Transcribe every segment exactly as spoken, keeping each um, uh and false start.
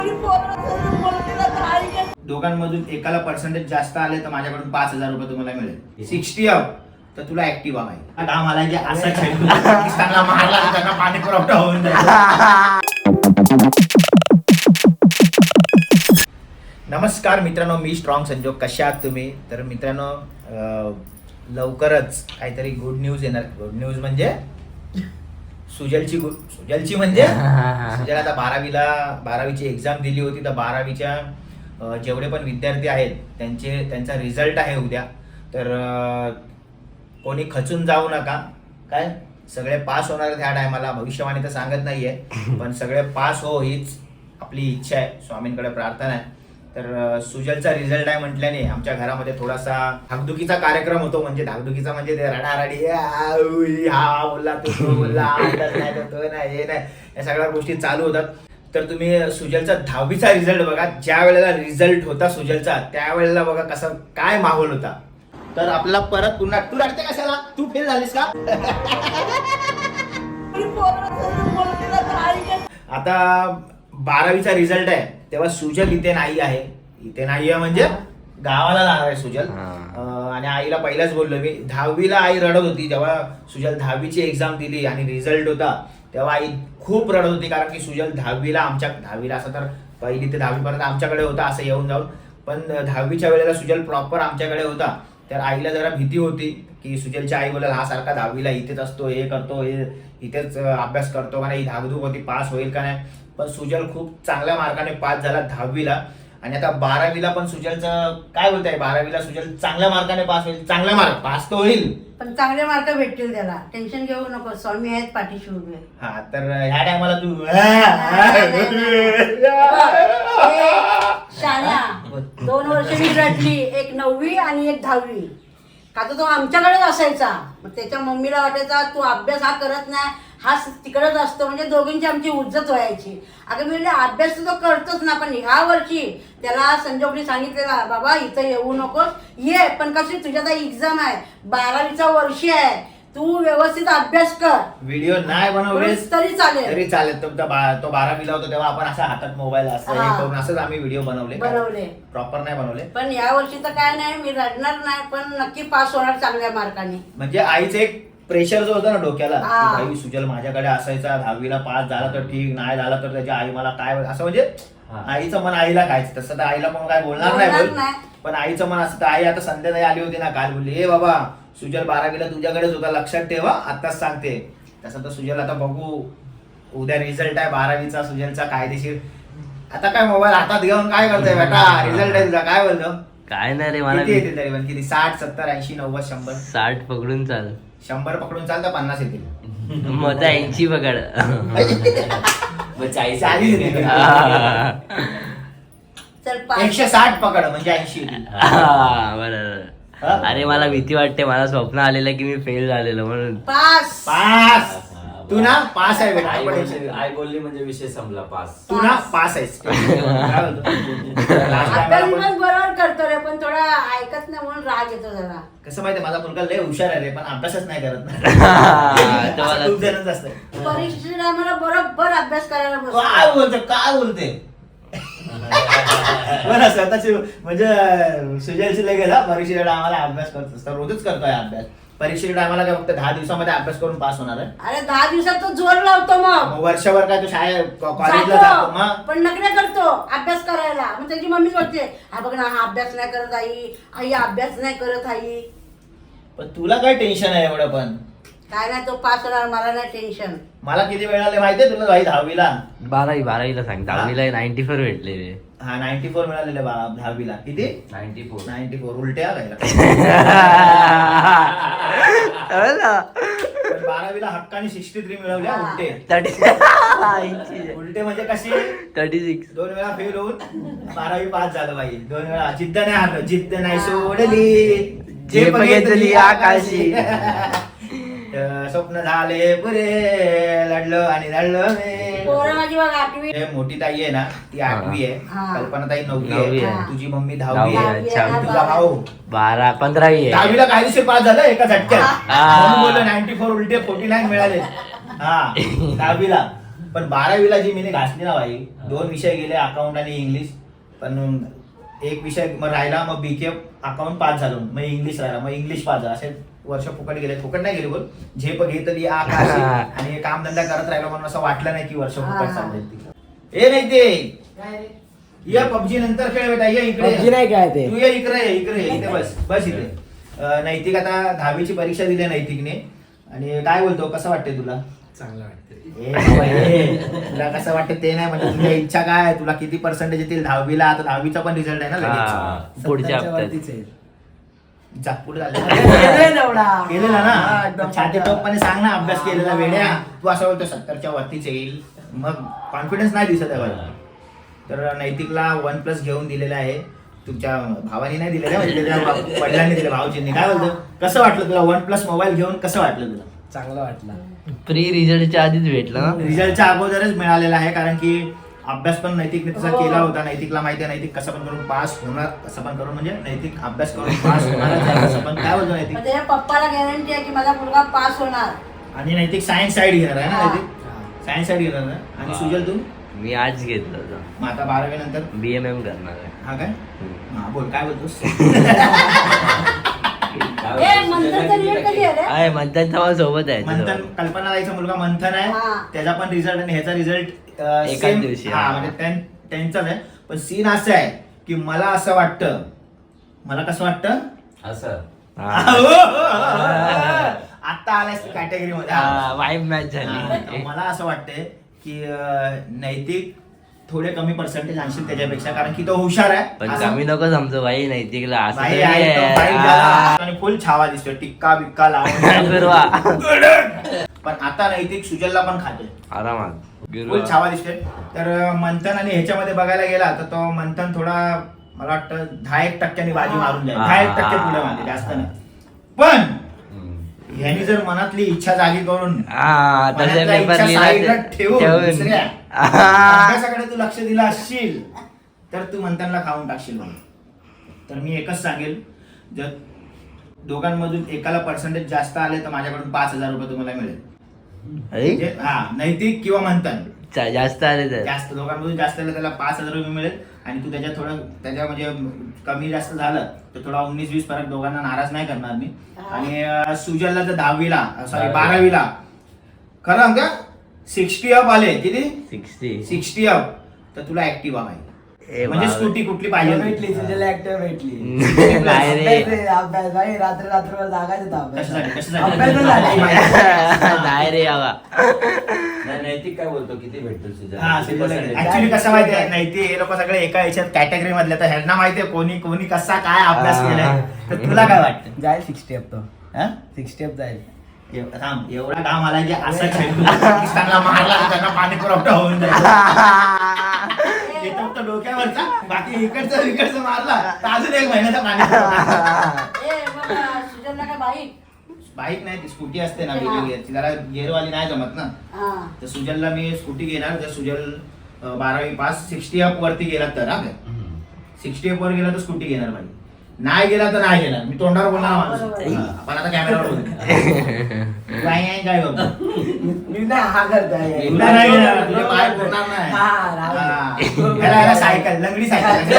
दोघांमधून एकाला पर्सेंटेज जास्त आले तर माझ्याकडून पाच हजार रुपये तुम्हाला मिळेल. सिक्स्टी अप तर तुला ऍक्टिव्हा आहे. काम आला की असा खेळतो पाकिस्तानला मारला त्यांना पाणी पुरवठा होऊन जाईल. नमस्कार मित्रांनो, मी स्ट्रॉंग संजोग. कशा आहात तुम्ही? तर मित्रांनो, लवकरच काहीतरी गुड न्यूज येणार. गुड न्यूज म्हणजे सुजलची गुड सुजलची म्हणजे सुजल आता बारावीला बारावीची एक्झाम दिली होती. तर बारावीच्या जेवढे पण विद्यार्थी आहेत त्यांचे त्यांचा रिझल्ट आहे उद्या. तर कोणी खचून जाऊ नका. काय सगळे पास होणार आहेत ह्या टायमाला. भविष्यवाणी तर सांगत नाहीये, पण सगळे पास हो हीच आपली इच्छा आहे. स्वामींकडे प्रार्थना आहे. तर सुजलचा रिझल्ट आहे म्हटल्याने आमच्या घरामध्ये थोडासा धाकधुकीचा कार्यक्रम होतो. म्हणजे धाकधुकीचा म्हणजे ते रडारडी, हा बोलला तो तो बोलला, नाही तर तो नाही, हे नाही, या सगळ्या गोष्टी चालू होतात. तर तुम्ही सुजलचा दहावीचा रिझल्ट बघा. ज्या वेळेला रिझल्ट होता सुजलचा त्यावेळेला बघा कसा काय माहोल होता. तर आपला परत पुन्हा तू रडते कशाला? तू फेल झालीस का? आता बारावीचा रिझल्ट आहे तेव्हा सुजल इथे नाही आहे. इथे नाही आहे म्हणजे गावाला जाणार आहे सुजल. आणि आईला पहिलाच बोललो मी. दहावीला आई रडत होती जेव्हा सुजल दहावीची एक्झाम दिली आणि रिझल्ट होता तेव्हा आई खूप रडत होती. कारण की सुजल दहावीला आमच्या दहावीला असं तर पहिली ते दहावी पर्यंत आमच्याकडे होता असं येऊन जाऊन, पण दहावीच्या वेळेला सुजल प्रॉपर आमच्याकडे होता. तर आईला जरा भीती होती की सुजलची आई बोलेल हा सारखा दहावीला इथेच असतो, हे करतो, हे इथेच अभ्यास करतो का नाही, धाकधूक होती पास होईल का नाही. पण सुजल खूप चांगल्या मार्काने पास झाला दहावीला. आणि आता बारावीला पण सुजलचं काय बोलताय, बारावीला सुजल चांगल्या मार्काने पास होईल. चांगल्या मार्क पास तो होईल, पण चांगले मार्क भेटतील त्याला. टेन्शन घेऊ नको, स्वामी आहेत पाठीशी उभे. हा तर ह्या टायमाला तू शाळा दोन वर्ष मी रडली, एक नववी आणि एक दहावी. का तर तो आमच्याकडेच असायचा. मग त्याच्या मम्मीला वाटायचा तू अभ्यास हा करत नाही, हा तिकडेच असतो. म्हणजे दोघींची आमची उज्जत व्हायची. अगं मी अभ्यास तो करतोच ना, पण ह्या वर्षी त्याला संजोगने सांगितलेला बाबा इथं येऊ नकोस, ये पण कशी तुझ्या आता एक्झाम आहे, बारावीचा वर्षी आहे, तू व्यवस्थित अभ्यास कर. व्हिडिओ नाही बनवले तरी चालेल तरी चालेल. तो बारावीला होता तेव्हा आपण असा हातात मोबाईल असं हे करून असंच आम्ही व्हिडिओ बनवले बनवले प्रॉपर नाही बनवले. पण या वर्षी तर काय नाही, मी रडणार नाही, पण नक्की पास होणार चांगल्या मार्काने. म्हणजे आईचं एक प्रेशर जो होता ना डोक्याला, भाई सुजल माझ्याकडे असायचा, दहावीला पास झाला तर ठीक, नाही झाला तर त्याची आई मला काय असं, म्हणजे आईचं मन आईला खायचं. तसं तर आईला कोण काय बोलणार नाही, पण आईचं मन असं. आई आता संध्याकाळी आली होती ना काल, बोलली ए बाबा सुजल बारावीला तुझ्याकडेच होता, लक्षात ठेवा, आताच सांगते. तसं तर सुजल आता बघू, उद्या रिझल्ट आहे बारावीचा सुजलचा कायदेशीर. आता काय मोबाईल हातात घेऊन काय करतोय बेटा, रिझल्ट आहे तुझा, काय बोलतो? काय नाही रे, मला किती येतील तरी पण? किती? साठ सत्तर ऐंशी नव्वद शंभर? साठ पकडून चाल. शंभर पकडून चाल तर पन्नास येतील. मग ऐंशी पकड. एकशे साठ पकड म्हणजे ऐंशी. बरोबर. अरे मला भीती वाटते, मला स्वप्न आलेलं की मी फेल झालेलो म्हणून. पास पास तू ना पास आहे बेटा. आई बोलली म्हणजे विषय संपला. पास तू ना पास आहेस. बरोबर करतो रे, पण थोडा ऐकत नाही म्हणून राग येतो जरा. कसं माहितीये, माझा मुलगा लय हुशार आहे रे, पण अभ्यासच नाही करत ना. खूप जणच असतं. परीक्षेला आम्हाला बरोबर अभ्यास करायला बसतो. काय बोलते काय बोलते बरं स्वतःची म्हणजे सुजलची लगेच परीक्षेच्या आम्हाला अभ्यास करत असतो, रोजच करतोय अभ्यास. परीक्षेच्या टायमाला काय फक्त दहा दिवसामध्ये अभ्यास करून पास होणार आहे? अरे दहा दिवसात तो जोर लावतो, मग वर्षभर काय तो शाळेत कॉलेजला जातो मग पण नकऱ्या करतो अभ्यास करायला. मग त्याची मम्मी बोलते हा बघ ना, हा अभ्यास नाही करत आई, आई अभ्यास नाही करत आई. पण तुला काय टेन्शन आहे एवढं? पण काय नाही, तो पास होणार, मला नाही टेन्शन. मला किती वेळ आले माहितीये तुला भाई? दहावीला बारावी बारावीला सांग. दहावीला नाईन्टी फोर भेटले रे. हा नाईन्टी फोर मिळालेले दहावीला. किती? नाईन्टी फोर नाईन्टी फोर उलट्या घ्यायला. बारावीला हक्काने सिक्स्टी थ्री मिळवल्या. उलटे उलटे म्हणजे कशी? Thirty six. दोन वेळा फेल होऊन बारावी पास झालं पाहिजे. दोन वेळा जिद्द नाही हरलो, जिद्द नाही सोडली, जे बघितली आकाशी. स्वप्न झाले पुरे, लढलो आणि लढलो मी. मोठी ताई आहे ना ती आठवी आहे, कल्पना ताई नववी आहे, तुझी मम्मी दहावी आहे, तुझा भाऊ बारा पंधरावी आहे. दहावीला काही दिवशी पास झालं एका झटक्यात. नाईन्टी फोर उलटे फोर्टी नाईन मिळाले. हा दहावीला पण बारावीला जी मी घासली ना भाई, दोन विषय गेले अकाउंट आणि इंग्लिश. पण एक विषय मग राहिला, मग बीके अकाउंट पास झालो, मग इंग्लिश राहिला, मग इंग्लिश पास झाला. असे वर्ष फुकट गेले. फुकट नाही गेले बोल, झेप घेतली आ का अशी. आणि कामधंदा करत राहिलो म्हणून असं वाटलं नाही की वर्ष फुकट चाललंय. ए नाही ते ये पबजी नंतर खेळ बेटा, ये इकडे. नाही काय ते तू ये इकडे, ये इकडे, इथे बस बस इथे. अं, नैतिक आता दहावीची परीक्षा दिली नैतिकने. आणि काय बोलतो, कसं वाटतंय तुला? चांगलं वाटतं. ए बाबा, ए, तुला कसं वाटतं ते नाही, म्हणजे तुझ्या इच्छा काय आहे? तुला किती पर्सेंटेज येतील दहावीला? आता दहावीचा पण रिझल्ट आहे ना लगेच. हा, पुढच्या सत्तरच्या हप्त्यात वरतीच आहे. जा, पुढे झालं. केलंय तेवढा. केलेला हा, ना, एकदम छाती पक्का. टोपपणे सांग ना, अभ्यास केलेला वेड्या. तू असं बोलतो सत्तरच्या वरतीच येईल, मग कॉन्फिडन्स नाही दिसत आहे मला. तर नैतिकला वन प्लस घेऊन दिलेला आहे. तुमच्या भावानी नाही दिलेला, म्हणजे त्याच्या वडिलांनी दिले, भाऊजींनी. काय बोलतो, कसं वाटलं तुला वन प्लस मोबाईल घेऊन? कसं वाटलं तुला? चांगलं वाटलं. प्री रिझल्टच्या आधीच भेटलं ना. रिझल्टच्या अगोदरच मिळालेला आहे, कारण की अभ्यास पण नैतिकने तसा हो. केला होता. नैतिकला माहिती आहे नैतिक कसं पण करून पास होणार, कसं पण करून म्हणजे नैतिक अभ्यास करून पास होणारच आहे. कसं पण काय बोलतो नैतिक. मग त्याच्या पप्पाला गॅरंटी आहे की माझा मुलगा पास होणार. आणि नैतिक सायन्स साईड घेणार आहे ना, हा. नैतिक सायन्स साईड घेणार ना. आणि हा. सुजल तू? मी आज घेतलं होतं. मग आता बारावी नंतर बी एम एम करणार आहे. हा काय? हम्म. हा बोल, काय बोलतोस? ए मंथनचा रिझल्ट कधी आहे रे? आहे मंथन तर सोबत आहे मंथन, तुझ्यासोबत. कल्पना ताईचा मुलगा मंथन आहे. हा. त्याचा पण रिझल्ट आणि ह्याचा रिझल्ट एकाच दिवशी, हा हा. म्हणजे त्यां- त्यांचाच आहे. पण सीन असं आहे की मला असं वाटतं, मला कसं वाटतं, असं हा. आता आलास कॅटेगरी मध्ये. हा, वाईब मॅच हा, झाली. मला असं वाटतंय की अं, नैतिक थोडे कमी पर्सेंटेज आणशील त्याच्यापेक्षा, कारण की तो हुशार आहे. पण असं- कमी नको समजू भाई नैतिकला असं बाई तरी आहे, तो आहे. बाई हा. झाला आणि फुल छावा दिसतोय, टिक्का बिक्का लावून. गुरुवा. पण आता नैतिक सुजलला पण खाते, आरामात फुल गुरुवा. छावा दिसते. तर मंथन आणि ह्याच्यामध्ये बघायला गेला तर तो मंथन थोडा मला वाटतं दहा एक टक्क्यांनी बाजी मारून जाईल. दहा एक टक्के पुढे मागे, जास्त नाही. पण ह्यानी जर मनातली इच्छा जागी करून हा तसे मनातल्या पेपर इच्छा लिहिला साईडला ते- ठेवून ठेवून. दुसऱ्या हा. अभ्यासाकडे तू लक्ष दिलं असशील तर तू मंथनला खाऊन टाकशील म्हणून. तर मी एकच सांगेल, जर दोघांमधून एकाला पर्सेंटेज जास्त आले तर माझ्याकडून पाच हजार रुपये तुम्हाला मिळेल. अरे, म्हणजे हा नैतिक किंवा मंथन चा- जास्त आले तर जास्त, दोघांमधून जास्त आलं त्याला पाच हजार रुपये मिळेल. आणि तू त्याच्या थोडं त्याच्या म्हणजे कमी जास्त झालं तर थोडा उन्नीस वीस फरक, दोघांना नाराज नाही करणार मी. आणि अं, सुजलला जर दहावीला सॉरी बारावीला खरं का सिक्स्टी अप आले, किती सिक्स्टी सिक्स्टी अप, तर तुला ऍक्टिव्हा पाहिजे. ए म्हणजे बाबा. स्कूटी कुठली पाहिजे भेटली ती? तुझ्याला ऍक्टिव्ह भेटली. नाही रे. अभ्यास आहे, अभ्यास भाई रात्र रात्रभर जागायचं अभ्यास. कशासाठी कशासाठी अभ्यास झाला. नाही रे बाबा. नाही, नैतिक काय बोलतो, किती भेटतो तुझ्या? हा किती percentage? ऍक्च्युली कसं माहितीये नाही ते हे लोक सगळे एका याच्यात कॅटेगरी मधले, तर ह्यांना माहितीये कोणी कोणी कसा काय अभ्यास हा. केलाय. तर तुला काय वाटतं? जाईल सिक्स स्टेप तो हा? सिक्स स्टेप जाईल. एव- थांब, एवढा घाम आला की असा चेंडू पाकिस्तानला मारला तर त्यांना पाणी पुरवठा होऊन जाईल. येतो फक्त डोक्यावरचा, बाकी इकडचं इकडचं मारला तर अजून एक महिन्याचा पाणी पुरवठा. ए मग सुजलला काय बाईक? बाईक नाही, ती स्कूटी असते ना हा. वेगळी गिअरची, जरा गिअरवाली नाही जमत ना. हा. तर सुजलला मी स्कूटी घेणार. जर सुजल अं, बारावी पास सिक्स्टी अप वरती गेला तर हा काय हम्म. सिक्स्टी अप वर गेला तर स्कूटी घेणार भाई. नाही गेला तर नाही घेणार. मी तोंडावर बोलणार माणूस. बरोबर. हा, आपण आता कॅमेरावर बोलतो. काय आहे, काय बाबा? मी नाही हा करताय. तुला नाही घेणार, तुझे पाय पुरणार नाही. हा, राहू दे. हा. ह्याला- ह्याला सायकल, लंगडी सायकल.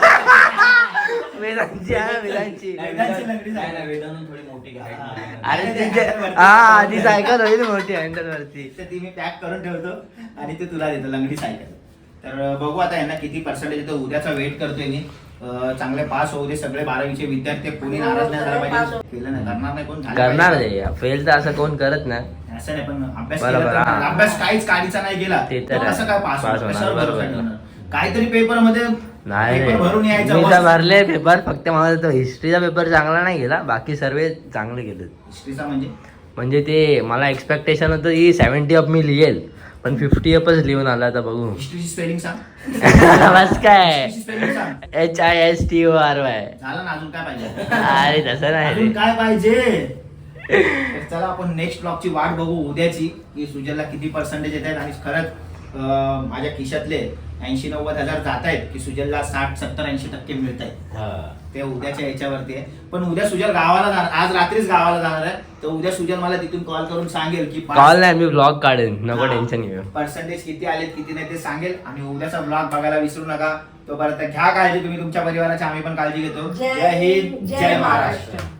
वेदांची आहे, वेदांची. लंगडाची लंगडी नाही, नाही, सायकल. वेदांतून थोडी मोठी घ्या. अरे तिचे हा आधी सायकल होईल मोठी हँडल वरती. तर ती मी पॅक करून ठेवतो आणि ते तुला देतो, लंगडी सायकल. तर बघू आता यांना किती पर्सेंटेज येतो. उद्याचा वेट करतोय मी. अं, चांगले पास होऊ दे सगळे बारावीचे विद्यार्थी. कोणी नाराज नाही झाला पाहिजे. केलं नाही, करणार नाही कोण, झालं करणार पाहिजे. रे, फेल तर असं कोण करत नाही. असं नाही, पण अभ्यास बरोबर, केला तर- हा. अभ्यास काहीच काढीचा नाही गेला ते तर तर आहे. कसं काय पास पास होणार? होणार, कशावर बरोबर. भरोसा ठेवणार? काहीतरी पेपर मध्ये नाही रे, पेपर भरून यायचं. मी तर मस्त. भरले पेपर. फक्त मला तो हिस्ट्रीचा पेपर चांगला नाही गेला, बाकी सर्व चांगले गेले. हिस्ट्रीचा म्हणजे म्हणजे ते मला एक्सपेक्टेशन होतं की सेव्हन्टी अप मी लिहेल, पण फिफ्टी अपच लिहून आला. आता बघू. हिस्ट्रीची स्पेलिंग सांग. बस काय हिस्ट्रीची स्पेलिंग सांग. H I S T O R Y. झालं ना, अजून काय पाहिजे? अरे तसं नाही अजून रे. काय पाहिजे? तर चला आपण नेक्स्ट ब्लॉगची वाट बघू उद्याची, की सुजलला किती पर्सेंटेज येत आहेत. आणि खरंच अं, माझ्या खिशातले ऐंशी नव्वद हजार जात आहेत की सुजलला साठ सत्तर ऐंशी टक्के मिळत आहेत. हा. ते उद्याच्या याच्यावरती आहे. पण उद्या सुजल गावाला जाणार, आज रात्रीच गावाला जाणार आहे. तर उद्या सुजल मला तिथून कॉल करून सांगेल की कॉल नाही, मी ब्लॉग काढेन, नको टेन्शन घेऊ. पर्सेंटेज किती आलेत किती नाही ते सांगेल. आणि उद्याचा ब्लॉग बघायला विसरू नका. तोपर्यंत घ्या काळजी तुम्ही तुमच्या परिवाराची, आम्ही पण काळजी घेतो. जय हिंद, जय महाराष्ट्र.